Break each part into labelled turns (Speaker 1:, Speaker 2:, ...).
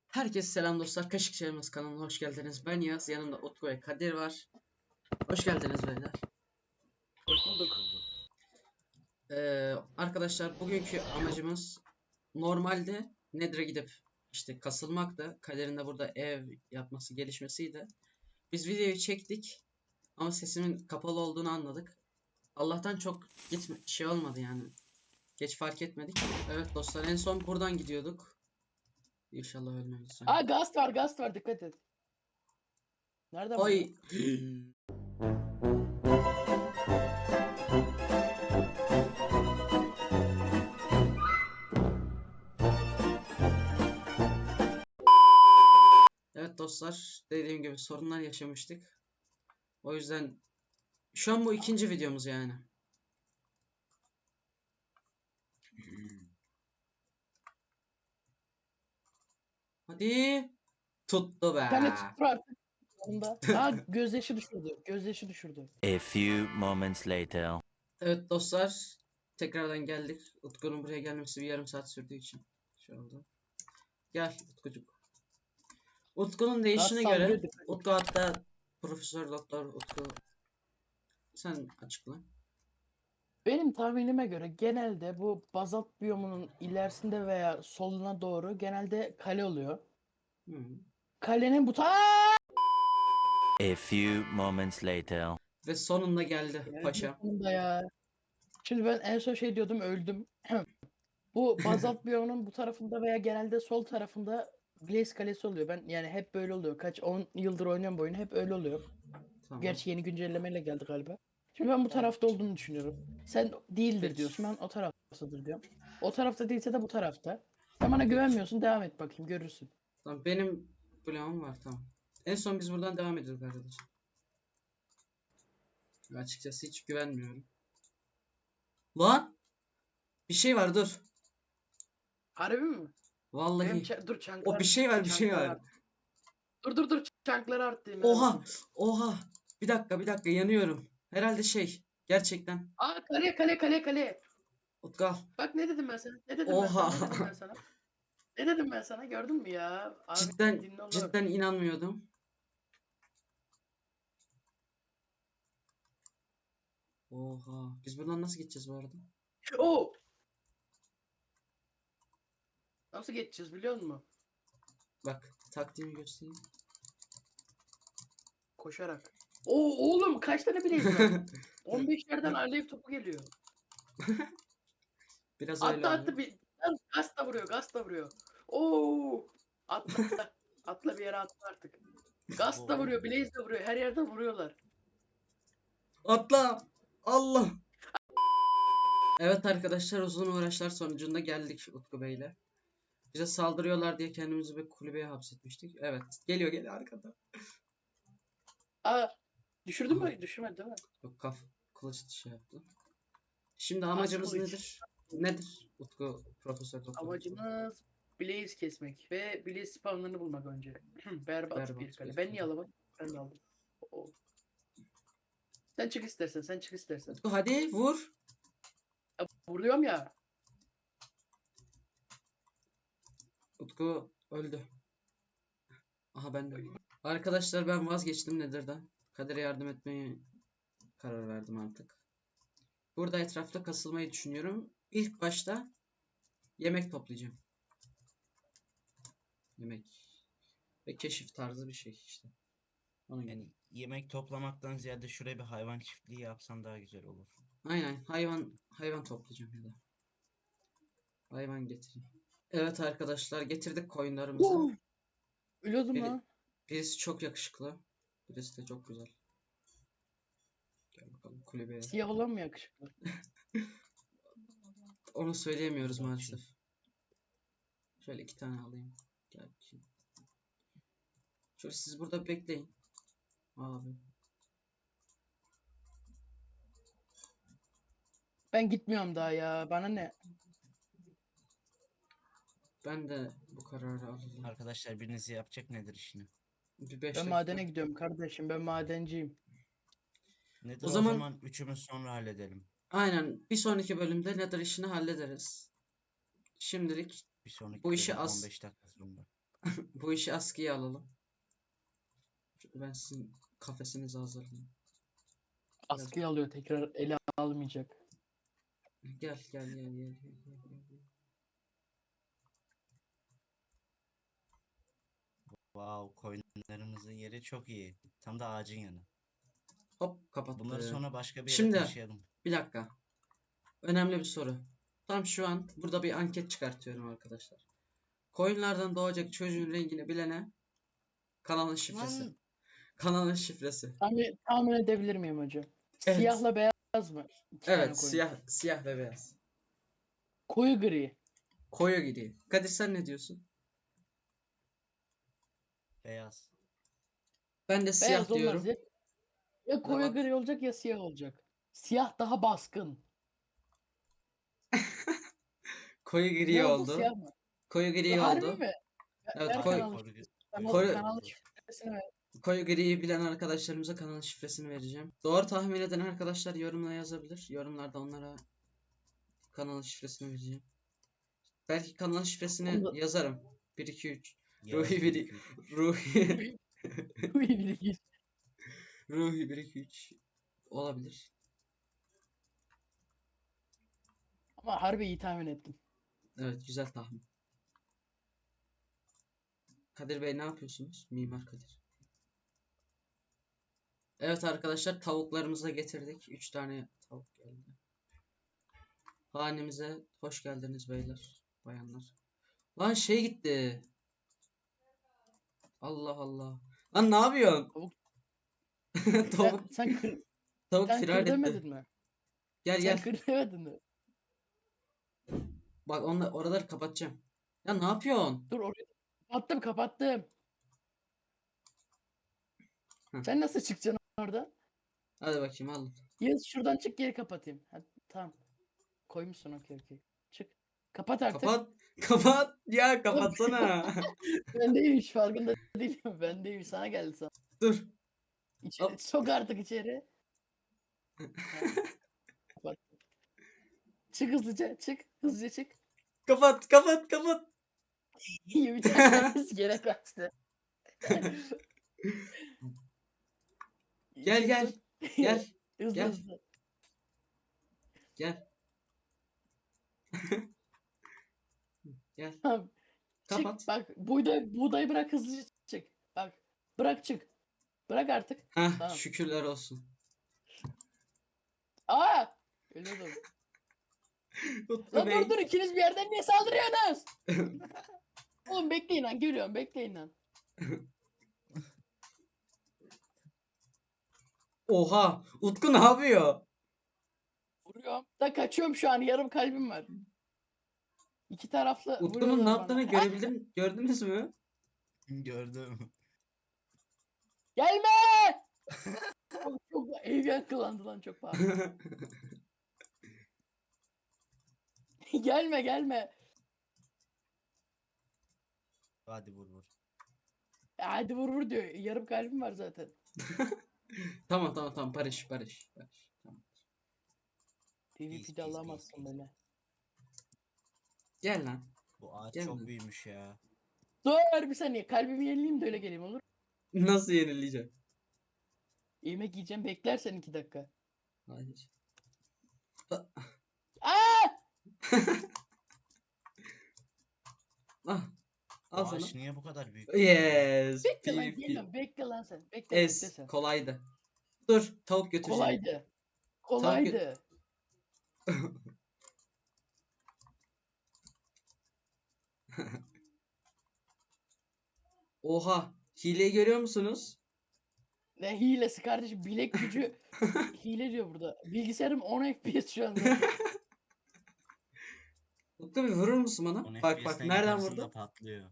Speaker 1: Herkese selam dostlar. Kaşık Çayımız kanalına hoş geldiniz. Ben Yaz. Yanımda Utku ve Kadir var. Hoş geldiniz beyler.
Speaker 2: Hoş bulduk.
Speaker 1: Arkadaşlar bugünkü amacımız normalde Nether'a gidip işte kasılmaktı. Kadir'in de burada ev yapması gelişmesiydi. Biz videoyu çektik ama sesimin kapalı olduğunu anladık. Allah'tan çok şey olmadı yani. Geç fark etmedik. Evet dostlar, en son buradan gidiyorduk. İnşallah ölmeyiz.
Speaker 2: Aa, gast var, dikkat et. Nereden
Speaker 1: Oy.
Speaker 2: buldun?
Speaker 1: Evet dostlar, dediğim gibi sorunlar yaşamıştık. O yüzden şu an bu ikinci videomuz yani. Hadi. Tuttu be.
Speaker 2: Bir tane tuttur artık. Onda. Aa, gözyaşı düşürdü. Gözyaşı düşürdü.
Speaker 3: A few moments later.
Speaker 1: Evet dostlar, tekrardan geldik. Utku'nun buraya gelmesi bir yarım saat sürdüğü için şey oldu. Gel Utkucuk. Utku'nun değişine
Speaker 2: Gaz
Speaker 1: göre
Speaker 2: saldırıyor, dikkat et.
Speaker 1: Utku, hatta Profesör Doktor Utku, sen açıkla.
Speaker 2: Benim tahminime göre genelde bu bazalt biyomunun ilerisinde veya soluna doğru genelde kale oluyor.
Speaker 1: Hı.
Speaker 2: Kalenin bu
Speaker 3: A few moments later.
Speaker 1: Ve sonunda geldi paşa.
Speaker 2: sonunda ya. Şimdi ben en son şey diyordum, öldüm. Bu bazalt biyomunun bu tarafında veya genelde sol tarafında Blaze kalesi oluyor. Ben yani hep böyle oluyor. Kaç 10 yıldır oynuyorum bu oyunu, hep öyle oluyor.
Speaker 1: Tamam.
Speaker 2: Gerçi yeni güncellemeyle geldi galiba. Şimdi ben bu tarafta olduğunu düşünüyorum. Sen değildir
Speaker 1: Peki.
Speaker 2: diyorsun. Ben o taraftadır diyorum. O tarafta değilse de bu tarafta. Sen bana
Speaker 1: Peki.
Speaker 2: güvenmiyorsun. Devam et bakayım, görürsün.
Speaker 1: Tamam, benim bloğum var, tamam. En son biz buradan devam ediyorduk arkadaşlar. Açıkçası hiç güvenmiyorum. Lan! Bir şey var, dur.
Speaker 2: Harbi mi?
Speaker 1: Vallahi.
Speaker 2: Dur, çanklar.
Speaker 1: O bir şey var, bir şey
Speaker 2: çanklar
Speaker 1: var.
Speaker 2: arttı. Dur, çankları arttı.
Speaker 1: Oha! Oha! Bir dakika, yanıyorum. Herhalde gerçekten.
Speaker 2: Aa, kale.
Speaker 1: Utku.
Speaker 2: Bak ne dedim ben sana?
Speaker 1: Oha!
Speaker 2: Ne dedim ben sana? Gördün mü ya? Abi dinle onu.
Speaker 1: Cidden inanmıyordum. Oha! Biz buradan nasıl gideceğiz bu arada?
Speaker 2: Oo! Nasıl geçeceğiz biliyor musun?
Speaker 1: Bak, taktiğimi göstereyim.
Speaker 2: Koşarak. Oo oğlum, kaç tane bileyiz var? 15 yerden alev topu geliyor.
Speaker 1: Biraz öyle oluyor.
Speaker 2: Attı bir. Gaz da vuruyor. Oo! Atla. Atla bir yere atla artık. Gaz da vuruyor, Blaze de vuruyor. Her yerden vuruyorlar.
Speaker 1: Atla! Allah! Evet arkadaşlar, uzun uğraşlar sonucunda geldik Utku Bey'le. Bize saldırıyorlar diye kendimizi bir kulübeye hapsetmiştik. Evet, geliyor arkada.
Speaker 2: Aa, düşürdün
Speaker 1: Aha.
Speaker 2: mü? Düşürmedi değil mi?
Speaker 1: Yok, kılıç şey yaptı. Şimdi amacımız
Speaker 2: kılıç.
Speaker 1: nedir? Nedir Utku Profesör Doktor?
Speaker 2: Amacımız Blaze kesmek ve Blaze spawnlarını bulmak önce. Berbat
Speaker 1: Berbat
Speaker 2: bir kale.
Speaker 1: bir
Speaker 2: Ben
Speaker 1: kale.
Speaker 2: niye alamadım? Ben de aldım. Oo. Sen çık istersen.
Speaker 1: Utku hadi vur.
Speaker 2: Ya, vuruyorum ya.
Speaker 1: Utku öldü. Aha, ben de öldüm. Arkadaşlar, ben vazgeçtim Nether'dan. Kadir'e yardım etmeye karar verdim artık. Burada etrafta kasılmayı düşünüyorum. İlk başta yemek toplayacağım. Yemek ve keşif tarzı bir şey işte. Onun gibi.
Speaker 4: Yani yemek toplamaktan ziyade şuraya bir hayvan çiftliği yapsan daha güzel olur.
Speaker 1: Aynen, hayvan toplayacağım ya da. Hayvan getireyim. Evet arkadaşlar, getirdik koyunlarımızı.
Speaker 2: Oo! Ölüyordum
Speaker 1: Biri-
Speaker 2: lan.
Speaker 1: Birisi çok yakışıklı. Birisi de çok güzel. Gel bakalım kulübeye.
Speaker 2: Siyah olan mı yakışıklı?
Speaker 1: Onu söyleyemiyoruz
Speaker 4: Bak
Speaker 1: maalesef. Şöyle 2 tane alayım. Gel bakayım. Şöyle siz burada bekleyin. Abi.
Speaker 2: Ben gitmiyorum daha ya. Bana ne?
Speaker 1: Ben de bu kararı aldım.
Speaker 4: Arkadaşlar biriniz yapacak nedir işini?
Speaker 1: Bir 5
Speaker 2: Ben
Speaker 1: dakika.
Speaker 2: madene gidiyorum kardeşim. Ben madenciyim.
Speaker 4: Nedir
Speaker 1: O
Speaker 4: o
Speaker 1: zaman-
Speaker 4: zaman üçümüz sonra halledelim.
Speaker 1: Aynen, bir sonraki bölümde Nether işini hallederiz. Şimdilik
Speaker 4: Bir sonraki
Speaker 1: Bu işi
Speaker 4: bölüm
Speaker 1: az-
Speaker 4: 15 dakika sonra.
Speaker 1: Bu işi askıya alalım. Ben sizin kafesinizi hazırlayayım.
Speaker 2: Askıya alıyor, tekrar ele almayacak.
Speaker 1: Gel gel gel gel gel gel, gel, gel.
Speaker 4: Wow, koyunlarımızın yeri çok iyi. Tam da ağacın yanı.
Speaker 1: Hop kapattı.
Speaker 4: Bunları sonra başka bir yere
Speaker 1: Şimdi
Speaker 4: taşıyalım.
Speaker 1: bir dakika. Önemli bir soru. Tam şu an burada bir anket çıkartıyorum arkadaşlar. Koyunlardan doğacak çocuğun rengini bilene kanalın şifresi.
Speaker 4: Lan
Speaker 1: Kanalın şifresi.
Speaker 2: Tahmin edebilir miyim hocam?
Speaker 1: Evet.
Speaker 2: Siyahla beyaz mı? İki tane
Speaker 1: Evet,
Speaker 2: koyun.
Speaker 1: siyah ve beyaz.
Speaker 2: Koyu gri.
Speaker 1: Koyu gri. Kadir sen ne diyorsun?
Speaker 4: beyaz.
Speaker 1: Ben de siyah
Speaker 2: Beyaz olmaz
Speaker 1: diyorum.
Speaker 2: ya. Ya koyu
Speaker 1: bak.
Speaker 2: gri olacak ya siyah olacak. Siyah daha baskın.
Speaker 1: Koyu gri
Speaker 2: Ne oldu,
Speaker 1: oldu.
Speaker 2: siyah mı?
Speaker 1: Koyu gri
Speaker 2: Harbi
Speaker 1: oldu.
Speaker 2: mi?
Speaker 1: Evet,
Speaker 2: Ver
Speaker 1: koyu,
Speaker 2: kanalı.
Speaker 1: koyu-
Speaker 2: Kanalı şifresini ver.
Speaker 1: koyu griyi bilen arkadaşlarımıza kanalın şifresini vereceğim. Doğru tahmin eden arkadaşlar yorumla yazabilir. Yorumlarda onlara kanalın şifresini vereceğim. Belki kanalın şifresini
Speaker 2: Onu da-
Speaker 1: yazarım. 1 2 3.
Speaker 4: Yağız
Speaker 1: Ruhi
Speaker 4: bir
Speaker 1: 1
Speaker 4: iki üç.
Speaker 1: Ruhi
Speaker 2: Koyu gri.
Speaker 1: Ruhi 1 2 3 olabilir.
Speaker 2: Ama harbi iyi tahmin ettim.
Speaker 1: Evet, güzel tahmin. Kadir Bey ne yapıyorsunuz? Mimar Kadir. Evet arkadaşlar, tavuklarımızı da getirdik. 3 tane tavuk geldi. Hanemize hoş geldiniz beyler, bayanlar. Lan şey gitti. Allah Allah. Lan ne yapıyorsun?
Speaker 2: Tavuk-
Speaker 1: Tavuk, tavuk
Speaker 2: Sen
Speaker 1: firar
Speaker 2: kır
Speaker 1: etti.
Speaker 2: demedin mi?
Speaker 1: Gel
Speaker 2: Sen
Speaker 1: gel.
Speaker 2: kır demedin mi?
Speaker 1: Bak oraları kapatacağım. Ya ne yapıyorsun?
Speaker 2: Dur orayı kapattım.
Speaker 1: Heh.
Speaker 2: Sen nasıl çıkacaksın orada?
Speaker 1: Hadi bakayım al.
Speaker 2: Yağız şuradan çık, geri kapatayım. Ha, tamam. Koymuşsun, okey. Çık. Kapat artık.
Speaker 1: Kapat. Kapat. Ya kapatsana.
Speaker 2: Bendeymiş, farkında değilim. Bendeymiş, sana geldi sana.
Speaker 1: Dur.
Speaker 2: İçeri,
Speaker 1: Hop.
Speaker 2: sok artık içeri. Ha, kapat. Çık hızlıca, çık. Hızlıca çık.
Speaker 1: Kapat kapat kapat.
Speaker 2: İyi, bir tanesi gene kaçtı.
Speaker 1: Gel
Speaker 2: Çık,
Speaker 1: gel.
Speaker 2: sok.
Speaker 1: Gel.
Speaker 2: Hızlı
Speaker 1: Gel.
Speaker 2: hızlı.
Speaker 1: Gel. Gel.
Speaker 2: Tamam.
Speaker 1: Kapat.
Speaker 2: Çık. Bak, buğdayı bırak, hızlıca çık. Bak. Bırak, çık. Bırak artık.
Speaker 1: Heh,
Speaker 2: Tamam.
Speaker 1: şükürler olsun.
Speaker 2: Aa! Ölüyordum.
Speaker 1: Utku
Speaker 2: Lan
Speaker 1: Bey.
Speaker 2: dur, ikiniz bir yerden niye saldırıyorsunuz? Oğlum bekleyin lan, geliyorum, bekleyin lan.
Speaker 1: Oha. Utku ne yapıyor?
Speaker 2: Vuruyorum. Da kaçıyorum şu an, yarım kalbim var. İki taraflı
Speaker 1: Utku'nun ne
Speaker 2: vuruyorlar
Speaker 1: yaptığını
Speaker 2: bana.
Speaker 1: gördünüz mü?
Speaker 4: Gördüm.
Speaker 2: Gelme! Çok ev yankılandı lan, çok pahalı. Gelme.
Speaker 4: Hadi vur.
Speaker 2: Hadi vur diyor. Yarım kalbim var zaten.
Speaker 1: Tamam barış. Tamam.
Speaker 2: PvP'de alamazsın beni.
Speaker 1: Gel lan.
Speaker 4: Bu ağaç
Speaker 1: Gel
Speaker 4: çok
Speaker 1: lan.
Speaker 4: büyümüş ya.
Speaker 2: Dur bir saniye, kalbimi yenileyim de öyle geleyim, olur.
Speaker 1: Nasıl yenileyeceğim?
Speaker 2: Yemek yiyeceğim, beklersen 2 dakika.
Speaker 1: Hayır.
Speaker 2: Aa!
Speaker 1: Ah.
Speaker 4: Bu
Speaker 1: Al sana.
Speaker 4: ağaç niye bu kadar büyük?
Speaker 1: Yes.
Speaker 2: Bekle lan,
Speaker 1: PvP.
Speaker 2: geliyorum. Bekle lan sen. Bekle sen.
Speaker 1: Kolaydı. Dur. Tavuk götüreceğim.
Speaker 2: Kolaydı.
Speaker 1: Oha. Hileyi görüyor musunuz?
Speaker 2: Ne hilesi kardeşim, bilek gücü hile diyor burada. Bilgisayarım 10 FPS şu an zaten.
Speaker 1: Utku bir vurur musun bana?
Speaker 4: 10
Speaker 1: Bak
Speaker 4: FPS'ten
Speaker 1: nereden
Speaker 4: yukarısında
Speaker 1: vurdu?
Speaker 4: patlıyor.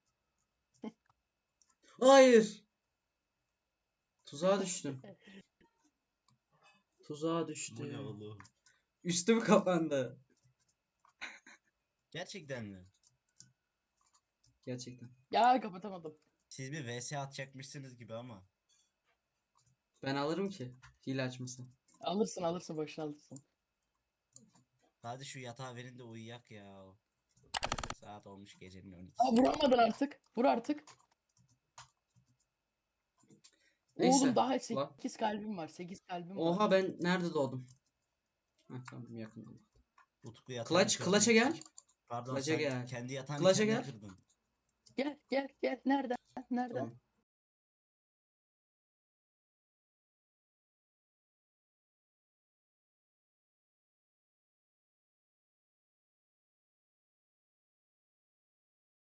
Speaker 1: Hayır. Tuzağa düştüm. Tuzağa
Speaker 4: Bu ne
Speaker 1: düştüm.
Speaker 4: oğlum?
Speaker 1: Üstüm kapandı.
Speaker 4: Gerçekten mi?
Speaker 1: Gerçekten.
Speaker 2: Ya kapatamadım.
Speaker 4: Siz bir VS atacakmışsınız gibi ama.
Speaker 1: Ben alırım ki. Hile açmasın.
Speaker 2: Alırsın, başına alırsın.
Speaker 4: Hadi şu yatağı verin de uyuyak ya. Saat olmuş gecenin 12'si.
Speaker 2: Aa, vuramadın artık. Vur artık.
Speaker 1: Neyse.
Speaker 2: Oğlum daha
Speaker 1: Lan.
Speaker 2: 8 kalbim var. 8 kalbim var.
Speaker 1: Oha ben nerede doğdum? Ha tamam yakında.
Speaker 4: Utku yatağını
Speaker 1: Kılaç,
Speaker 4: kırdın.
Speaker 1: Kılaç'a gel.
Speaker 4: Pardon
Speaker 1: Kılaç'a
Speaker 4: sen
Speaker 1: gel.
Speaker 4: kendi yatağını
Speaker 1: Kılaç'a
Speaker 4: kendin
Speaker 1: gel.
Speaker 4: kırdın.
Speaker 2: Gel gel gel. Nereden? Nereden?
Speaker 1: Tamam.